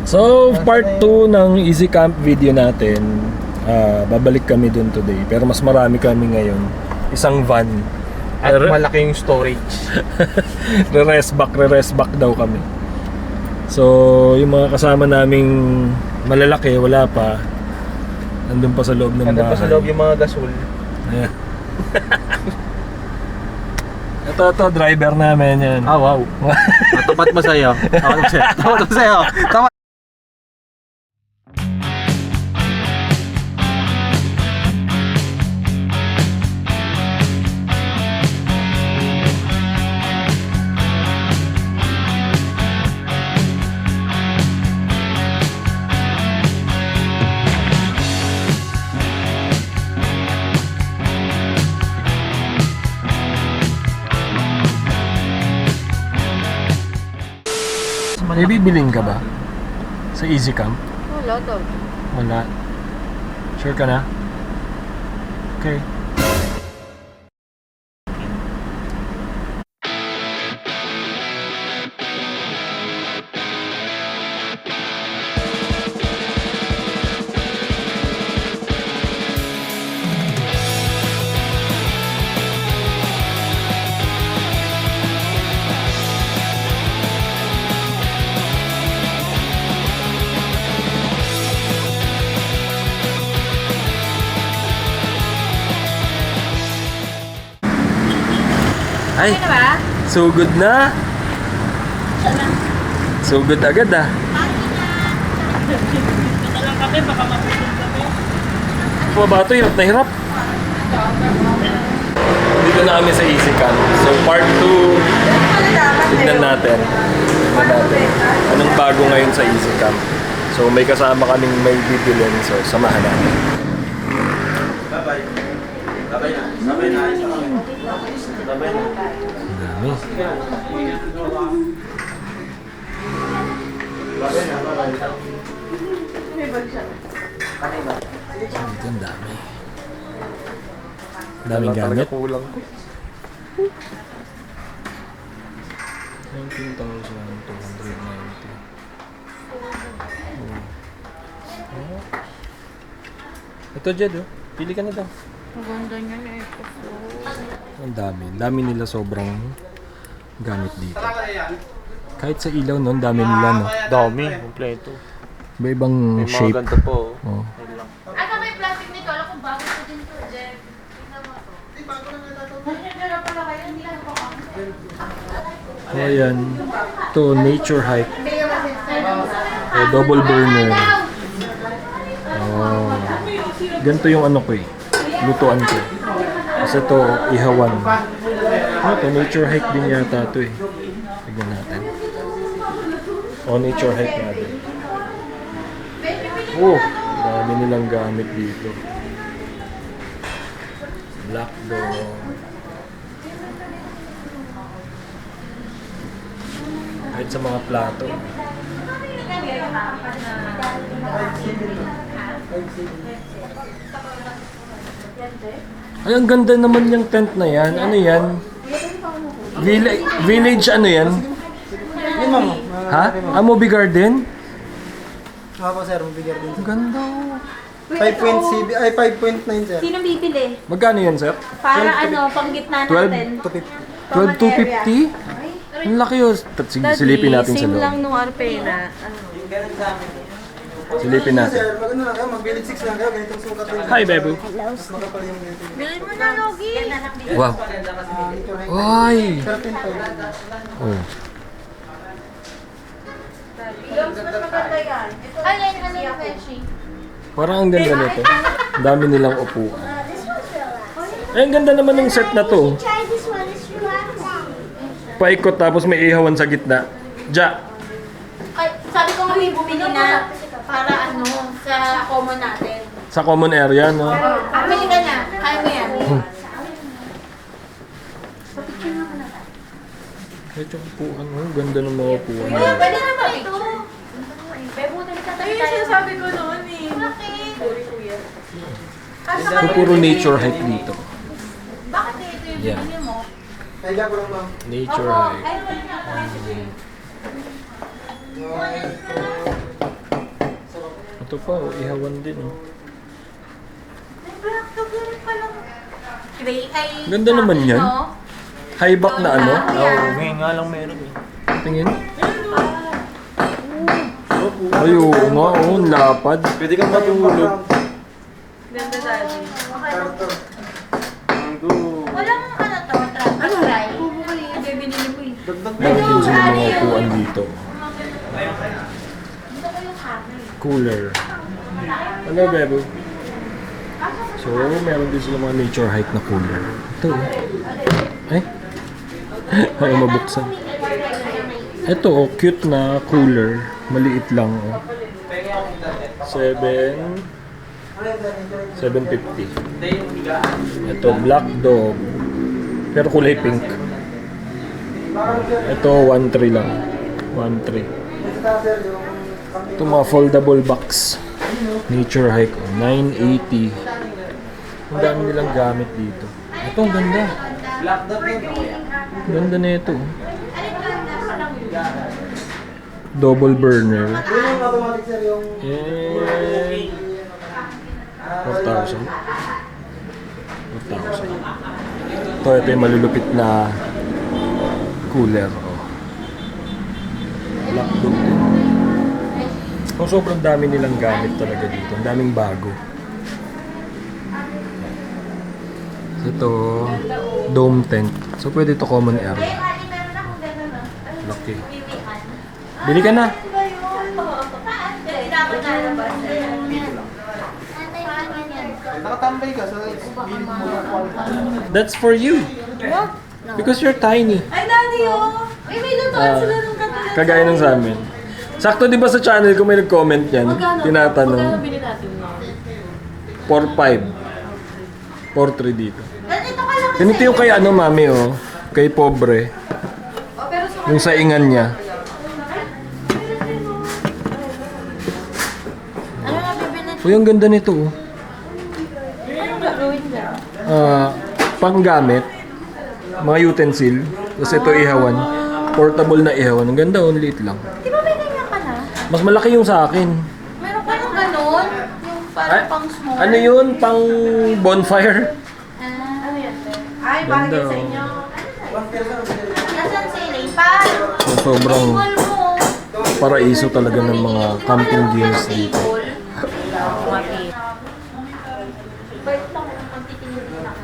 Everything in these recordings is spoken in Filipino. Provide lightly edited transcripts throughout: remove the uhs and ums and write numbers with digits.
So, part 2 ng Easy Camp video natin. Babalik kami dun today. Pero mas marami kami ngayon. Isang van. At malaki yung storage. Re-rest back daw kami. So, yung mga kasama naming malalaki, wala pa. Nandun pa sa loob ng bahay. Nandun pa sa loob yung mga gasol. Ayan. Ito, driver namin yan. Ah, wow. Tapat mo sa'yo. Tapat mo sa'yo. Tapat. May bibiling ka ba? Sa Easy Camp? Wala daw. Wala. Sure ka na? Okay. Ay, Ano ba? so good na. So good agad ah. Ito lang kami, baka mapulong kami. Pabato, hirap na hirap. Dito na kami sa Easy Camp. So part 2, tignan natin. Anong bago ngayon sa Easy Camp. So may kasama kaming may bibilin. So samahan natin. Bye-bye. Bye-bye na. Bye-bye na. Bye-bye na. Dami. Dito ang dami. Daming gamit. Kulang. 19,290. Ito Jed oh. Pili ka na daw. Ang ganda niya na ito. Ang dami. Dami nila sobrang gamit dito. Kahit sa ilaw no, ang dami nila no. Dami. Kompleto. Iba-ibang May mga shape. ganito po. Oh. Ayun lang. Ano may plastic nito? Alam kong bago ko din to, Jeff. Tingnan mo to. Hindi, bago lang natatawa. Nandiyan pala kayo. Hindi lang po kami. So ayan. Ito, nature hike. Oh, double burner. Oh. Ganito yung ano ko eh. Lutuan ko. Kasi ito, ihawan. Oh, ito, nature hike din yata ito eh. Tignan natin. Oh, nature hike natin. Oh, dami nilang gamit dito. Black dog. Kahit sa mga plato. Ay, ang ganda naman yung tent na yan. Ano yan? Village ano yan? Ha? Ah, Movie Garden? Nga po sir, mabigyan din. Ang ganda. 5.7 ay 5.9 sir. Sino bibili? Magkano yan, sir? Para ano, pang gitna 12? natin. 250. 12,250? Ang laki yun. Sige, silipin natin sa same loob. lang nung Arpena. Silipin natin. Sir, mag ano lang kayo, mag-village 6 lang kayo, ganitong sukat din. Hi, Bebo. Mas makapal yung ganito. Bilhin mo na, Logi! Wow. Ay! 13.5. Oh. Ay, yan, ano yung Beshi? Parang ang ganda nito. Ang dami nilang upuan. Ay, ang ganda naman ng set na to. Try this one. It's relaxing. Paikot tapos may ihawan sa gitna. Ja. Ay, sabi ko nga may bumili na para ano, sa common natin. Sa common area, no? Bumili ka na. Kaya mo yan. Kahit yung upuan, oh, ganda ng mga upuan. Pwede naman ito. Bebo, nalita tayo. Ay, sinasabi ko noon eh. Bakit? So, puro nature hike dito. Bakit ito yung Yeah. binili mo? Kaya ko lang ma'am. Nature Opo. hike. Ay, wala na. Ito pa, oh, ihawan din. Oh. May black dog yun palang. Gray ay... Ganda naman yan. No? High back na ano? Oo, ngayon nga lang meron eh. Tingin. Ay, oo nga, oh, ang lapad. Pwede kang matulog. Ganda daddy. Character. Walang ano to, trap. Ano? Bubukay. Hindi, binili ko eh. Dagdag na. Meron din sila mga upuan dito. Dito ko yung hammer. Cooler. Ano, Bebo? So, meron din sila mga nature hike na cooler. Ito, oh. Ay. Ay, mabuksan. Ito, oh, cute na cooler. Maliit lang, oh. 750. Ito, black dog. Pero kulay pink. Ito, 1.3 lang. 1.3. Ito mga foldable box. Nature hike, oh, 980. Ang dami nilang gamit dito. Ito, ang ganda. Ganda na ito. Oh. Double burner. Yun yung automatic sir yung... And 4,000. 4,000. Ito yung malulupit na cooler. Oh. Black dog din. Oh, sobrang dami nilang gamit talaga dito. Ang daming bago. Ito, dome tent. So, pwede ito common area. Meron akong gano'n no? Laki. Bibihan. Bili ka na. Ba yun? Hindi dapat nalabas. Nakatambay ka sa gilid mo. That's for you. Because you're tiny. Ay, daddy oh! Ay, may lutuan sila ng katulad. Kagaya nung sa amin. Sakto di ba sa channel ko may nag-comment yan? Magkano Tinatanong. bili natin no? 4.5. 4.3 dito. Ganito ka lang. Ganito yung kay ano mami oh. Kay pobre. Oh, pero sa Yung saingan niya. ano na bibili? Uy, ang ganda nito oh. Anong gagawin niya? Panggamit. Mga utensil. Tapos ito ihawan. Portable na ihawan. Ang ganda oh. Ang liit lang. Di ba may ganyan ka na? Mas malaki yung sa akin. Meron ka ng ganon? Yung parang pang small? Ano yun? Pang bonfire? Ano yan? Ay, bagay sa inyo. Nasaan si Elaine pa? So, sobrang Table mo. paraiso talaga ng mga camping gears dito. Bait lang kung magtitingin din ako.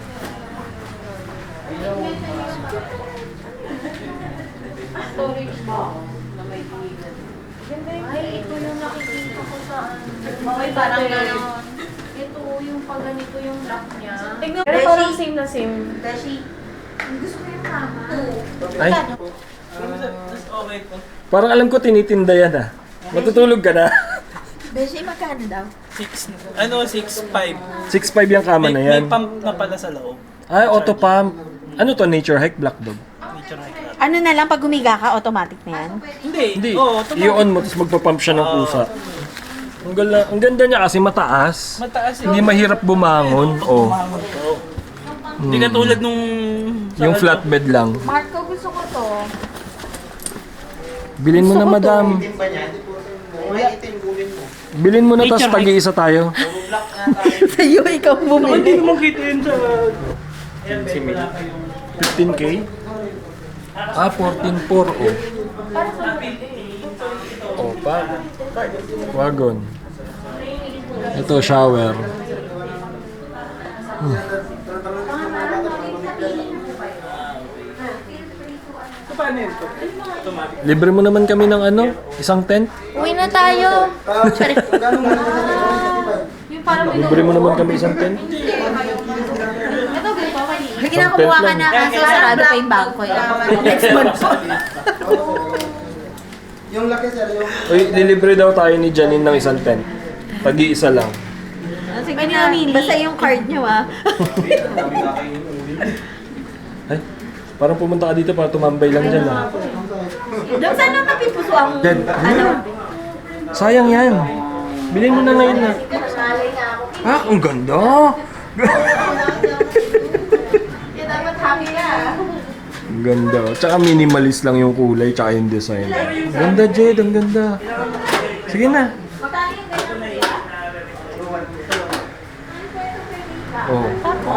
Storage box na may tingin. Ay, ito yung nakikita ko sa ano. Parang gano'n. Ito yung pag ganito yung lock niya. Tignan mo, parang same na same. Dashi. Gusto ko yung mama. Ay, parang alam ko tinitinda yan ah. Matutulog ka na. Beshi, magkano daw? 6'5". 6.5 yung kama na yan. May pump na pala sa loob. Ay, auto pump. Ano to? Nature hike black dog? Nature hike natin. Ano na lang, pag humiga ka, automatic na yan? Hindi. Oo, I-on mo, tapos magpa-pump siya ng pusa. Ang ganda niya kasi mataas. mataas Hindi mahirap bumangon. Oh. Hindi katulad nung... Yung flatbed lang. Marco, gusto ko to. Bilin mo na, madam. Itim ba niya? Hindi po may itim gulin mo. Bilin mo na, tapos Nature hike. tag-iisa tayo. Sa'yo, ikaw bumili. Hindi mo kita yun sa... 15K? Ah, 14.4. Oh. Oh, pa. Wagon. Ito, shower. Libre mo naman kami ng ano? Isang tent? Uwi na tayo. Gano'n mo naman sa Yung parang may Libre mo naman kami isang tent? Ito, ganito ka ni. Sige na, kumuha ka na kasi sarado pa yung bag ko eh. Next month po. Yung laki sir, yung... Uy, dilibre daw tayo ni Janine ng isang tent. Tag-iisa lang. Sige na, basta yung card nyo ah. Ay, parang pumunta ka dito para tumambay lang dyan ah. Dok, saan ang mapipuso ang Dead. ano? Sayang yan. Bilhin mo na ngayon na. Ah, ang ganda! Kaya dapat happy ka. Ang ganda. Tsaka minimalist lang yung kulay, tsaka yung design. Ganda, Jed. Ang ganda. Sige na. Magkano Oh.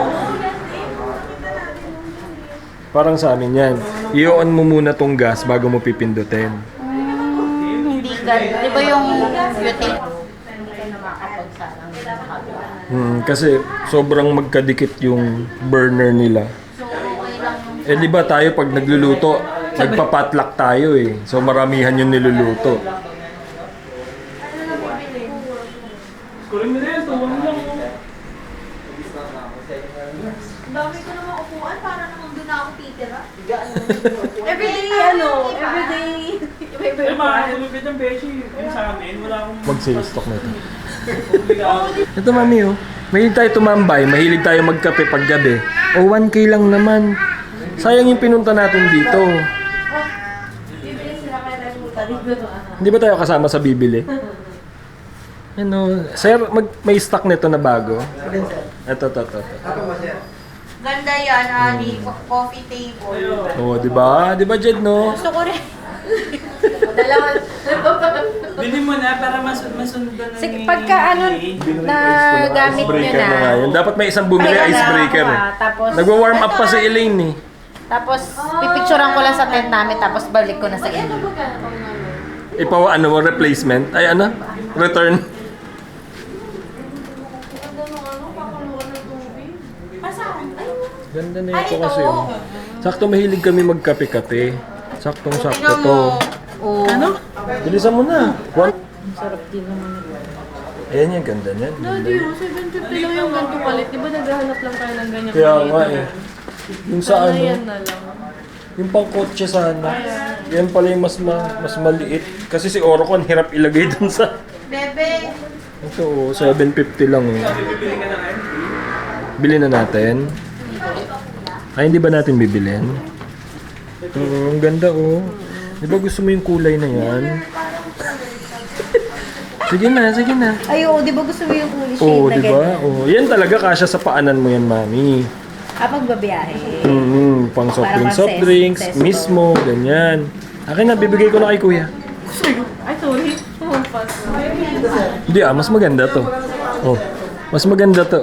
Parang sa amin yan. I-on mo muna tong gas bago mo pipindutin. Hindi ganun. Di ba yung utility? Hindi ka na makapagsalang sa kabila. Kasi sobrang magkadikit yung burner nila. So, okay lang yung... Eh di ba tayo pag nagluluto, nagpa-potluck tayo eh. So maramihan yung niluluto. Ang dami ko naman upuan para naman doon ako titira. Everyday, everyday. Eh, makakatulugid ang beshi. Yung sa amin, wala akong... Mag-sale-stock na ito. Ito mami oh. Mahilig tayo tumambay, mahilig tayo magkape pag gabi. O 1K lang naman. Sayang yung pinunta natin dito. Bibili sila kaya tayo pumunta dito. Hindi ba tayo kasama sa bibili? Ano, sir, may stock nito na bago. Ito. Ganda yan, Ali. Coffee table. Oh, di ba? Di ba, Jed, no? Gusto ko rin. Dalawa. Bili mo na para masundan na Sige, pagka na gamit nyo Icebreaker na. na nga yun. Dapat may isang bumili Ayun na, icebreaker eh. Tapos, Nagwa-warm up pa si Elaine eh. tapos, pipicturean ko lang sa tent namin, tapos balik ko na sa inyo. Ano mo, replacement? Ay, ano? Return. Ganda na ito kasi oh. Sakto mahilig kami magkape-kape. Saktong-sakto to. Oh. Ano? Bilisan mo na. Sarap din naman. Ayan yung ganda niyan. Daddy, 750 lang yung ganito palit. Di ba naghahanap lang tayo ng ganyan? Kaya nga eh. Yung sa ano, Yan na lang. yung pang kotse sana. Yan pala yung mas maliit. Kasi si Orocon hirap ilagay dun sa... Bebe! Ito oh, 750 lang oh. Bili na natin. Ay, hindi ba natin bibilin? Oo, ang ganda oh. Di ba gusto mo yung kulay na yan? Sige na. Ay, oo, di ba gusto mo yung kulay shade Oo, na di ba? Oo, yan talaga kasya sa paanan mo yan, mami. Kapag babiyahe. Pang Para soft drinks, ses- mismo, ganyan. Akin na, bibigay ko na kay kuya. Ay, sorry. Pumampas. Hindi mas maganda to. Oh, mas maganda to.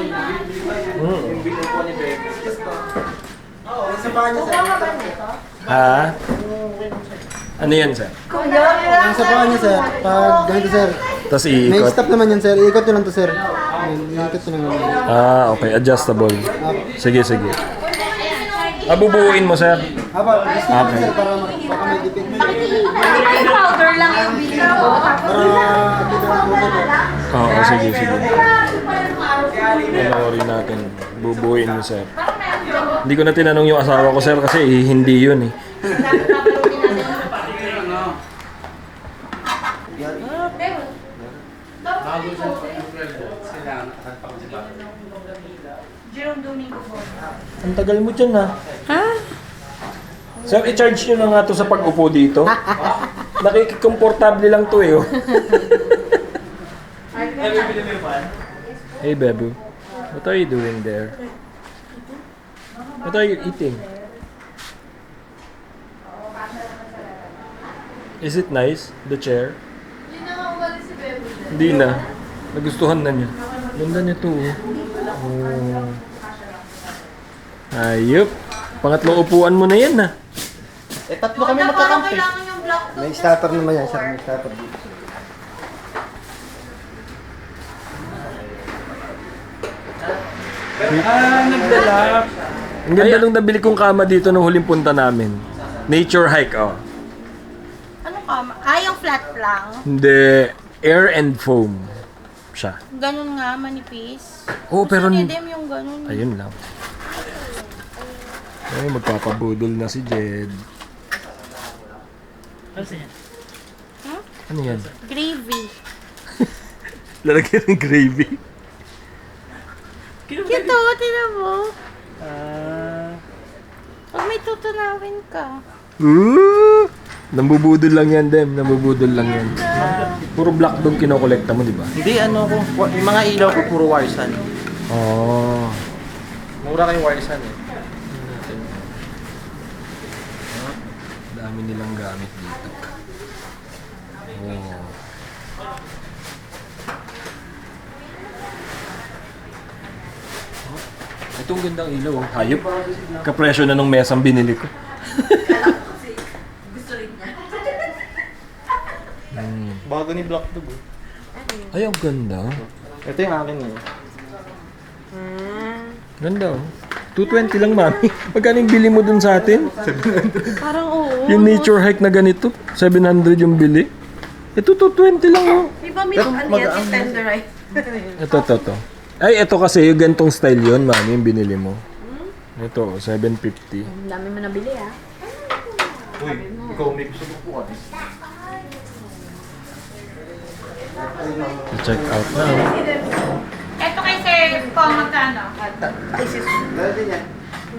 Sa paa niya, sir. Ha? Ano yan, sir? Yung sa paa niya, sir. Pag ganito, sir. Tapos May iikot. stop naman yan, sir. Iikot nyo lang to, sir. Iikot nyo lang. Okay. Adjustable. Sige. Bubuuin mo, sir. Aba, gusto ko, sir, para baka may dipid. Ay, powder lang yung bili ko. Para akita na po ito. Oo, sige. Panoorin natin. Bubuuin mo, sir. Hindi ko na tinanong yung asawa ko, sir, kasi hindi yun eh. Jerome Domingo po. Ang tagal mo dyan, ha? Sir, i-charge nyo na nga to sa pag-upo dito. Nakikikomportable lang to eh. Oh. Hey, Bebu. What are you doing there? What are you eating? Is it nice, the chair? Hindi na nga umalis si Bebe. Hindi na. Nagustuhan na niya. Ganda niya to. Oh. Ayup. Pangatlong upuan mo na yan, ha? Eh, tatlo kami Parang magkakampi. kailangan yung black to. May starter naman yan, sir. May starter dito. Nagdala. Ang ganda nung nabili kong kama dito nung huling punta namin. Nature hike, oh. Ano ka? Yung flat lang. Hindi. Air and foam siya. Ganun nga, manipis. Oo, pero... Gusto ni Dem yung ganun. Ayun lang. Ay, magpapabudol na si Jed. Ano yan? Gravy. Lalagyan ng gravy. Kito, tinan mo. Pag may tutunawin ka. Nambubudol lang yan, Dem. Nambubudol lang yan. Puro black dog kinokolekta mo, di ba? Hindi, yung mga ilaw ko puro Warsan. Oh. Mura kayong Warsan eh. Dami nilang gamit dito. Oh. Itong gandang ilaw. Oh. Hayop. Kapresyo na nung mesang binili ko. Bago ni Black Dog. Ay, ang ganda. Ito yung akin eh. Ganda oh. 220 lang, mami. Magkano yung bili mo dun sa atin? Parang oo. Yung nature hike na ganito. 700 yung bili. Ito, 220 lang oh. Di ba may ano yan si tenderize? Ito. Ay, ito kasi yung gantong style yun, mami, yung binili mo. Ito, 750. Ang dami mo nabili ah. Uy, ikaw may gusto mo po kami. I-check out na. Oh. Ito kay Sir Pong magkano? Dahil din yan.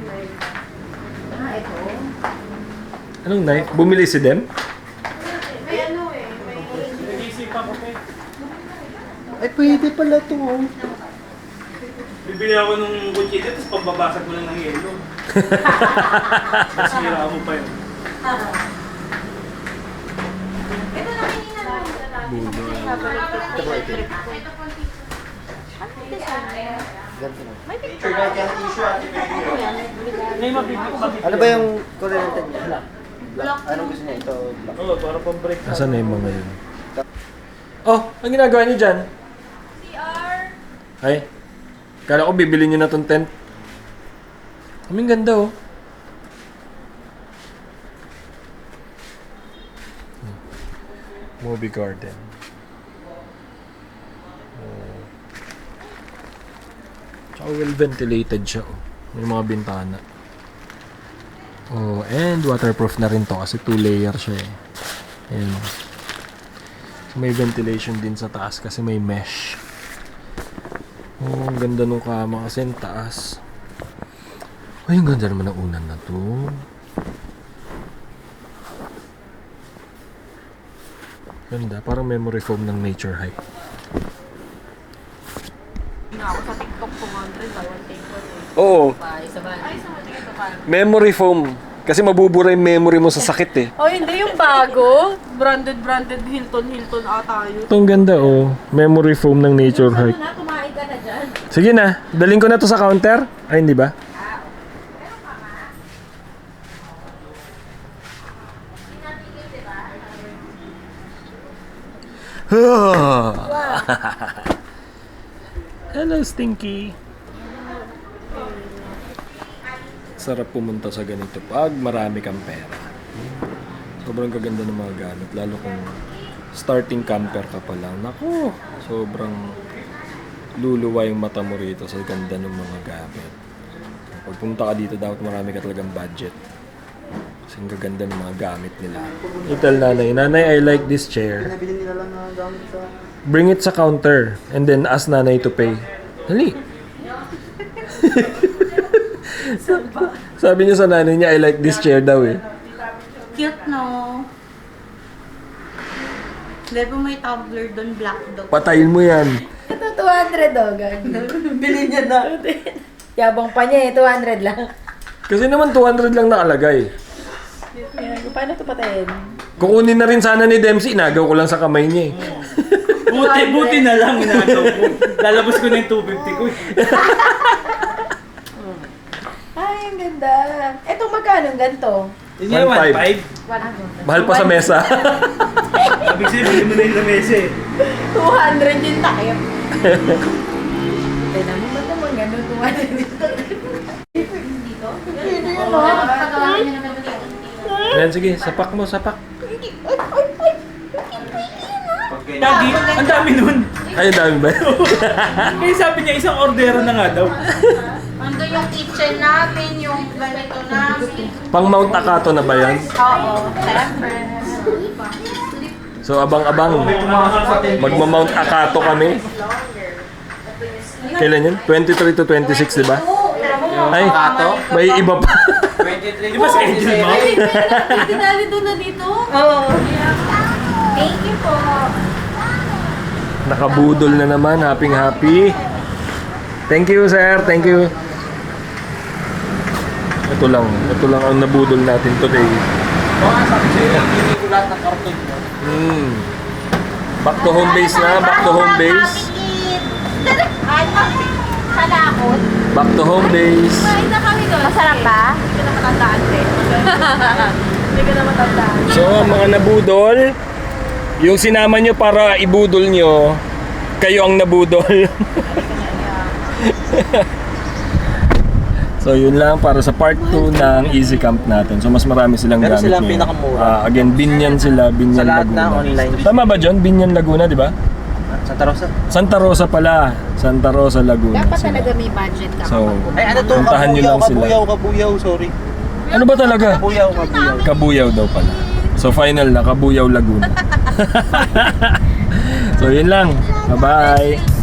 Anong knife? Bumili si Dem? Nag-iisipan ko eh. Ay, pwede pala ito. Bibili ako nung kutsito, tapos pambabasag mo lang ng yelo. Nasira mo pa yun. Ito ba ito? Ganito na. Picture na dyan, issue ate. May mapipit. Ano ba yung kulay ng tanya? Black. Anong gusto niya? Ito, black. Oo, para pang-break. Nasaan na yung mga yun? Oh, ang ginagawa niyo dyan? CR. Ay, kala ko bibili niyo na tong tent. Aming ganda oh. Movie garden. Oh. Tsaka well ventilated siya oh. May mga bintana. Oh, and waterproof na rin to kasi 2 layer siya eh. Ayan. So, may ventilation din sa taas kasi may mesh. Oh, ang ganda nung kama kasi ang taas. Ay, ang ganda naman ng unan na to. Ganda, parang memory foam ng nature hike. Ako sa TikTok 200, bawal take ko. Oo, Isa ba? Ay, sa mga ito parang. memory foam. Kasi mabubura yung memory mo sa sakit eh. Oh, hindi yung bago. Branded Hilton ata yun. Itong ganda oh, memory foam ng nature hike. Na, kumain ka na dyan. Sige na, daling ko na to sa counter. Ay, hindi ba? Hello, Stinky. Sarap pumunta sa ganito pag marami kang pera. Sobrang kaganda ng mga gamit, lalo kung starting camper ka pa lang. Naku, sobrang luluwa yung mata mo rito sa ganda ng mga gamit. Pagpunta ka dito, dapat marami ka talagang budget. Kasi ang gaganda ng mga gamit nila. Ital nanay, nanay, I like this chair. Pinabili nila lang na gamit sa... Bring it sa counter and then ask nanay to pay. Dali. Sabi niya sa nanay niya, I like this chair daw eh. Cute no? Dahil po may tumbler doon, black dog. Patayin mo yan. Ito, 200 oh, gag. Bili niya na. Yabang pa niya eh, 200 lang. Kasi naman 200 lang nakalagay. Paano ito patayin? Kukunin na rin sana ni Dempsey, inagaw ko lang sa kamay niya eh. Buti na lang inagaw ko. Lalabas ko na yung 250 ko. Ay, ang ganda. Ito magkano ganito? Yun yung 1.5. 1.5. Mahal pa sa mesa. Sabi siya, bili mo na yung lamesa eh. 200 yung takip. Tignan mo ba naman gano'n 200 dito? Hindi yun o. Ayan, sige, sapak mo, sapak. Lagi, ang dami nun. Ay, dami ba? Kaya sabi niya, isang ordero na nga daw. Ando yung kitchen namin, yung ganito namin. Pang Mount Akato na ba yan? Oo, siyempre. So, abang-abang. Magma-Mount Akato kami. Kailan yun? 23 to 26, di ba? Ay, may iba pa. Di ba schedule mo? Tinali doon na dito? Oo. Thank you po. Nakabudol na naman. Happy. Thank you, sir. Thank you. Ito lang ang nabudol natin today. Baka sabi sa'yo, hindi ko lahat ng karton mo. Back to home base na. Back to home base. Sa lakot. Back to home days. Kain na kami doon. Masarap ba? Hindi ka na matandaan, te. Hindi ka na matandaan. So, mga nabudol, yung sinama nyo para ibudol nyo, kayo ang nabudol. So, yun lang para sa part 2 ng Easy Camp natin. So, mas marami silang Pero gamit sila ang ngayon. pinakamura. Again, Binyan sila, Binyan Sa lahat Laguna. na online. Tama ba, John? Binyan Laguna, di ba? Santa Rosa. Santa Rosa pala. Santa Rosa, Laguna. Dapat sila. talaga may budget ka. So, Ay, ano to? puntahan nyo lang sila. Kabuyaw, sorry. Ano ba talaga? Kabuyaw. Kabuyaw daw pala. So, final na, Kabuyaw, Laguna. So, yun lang. Bye-bye.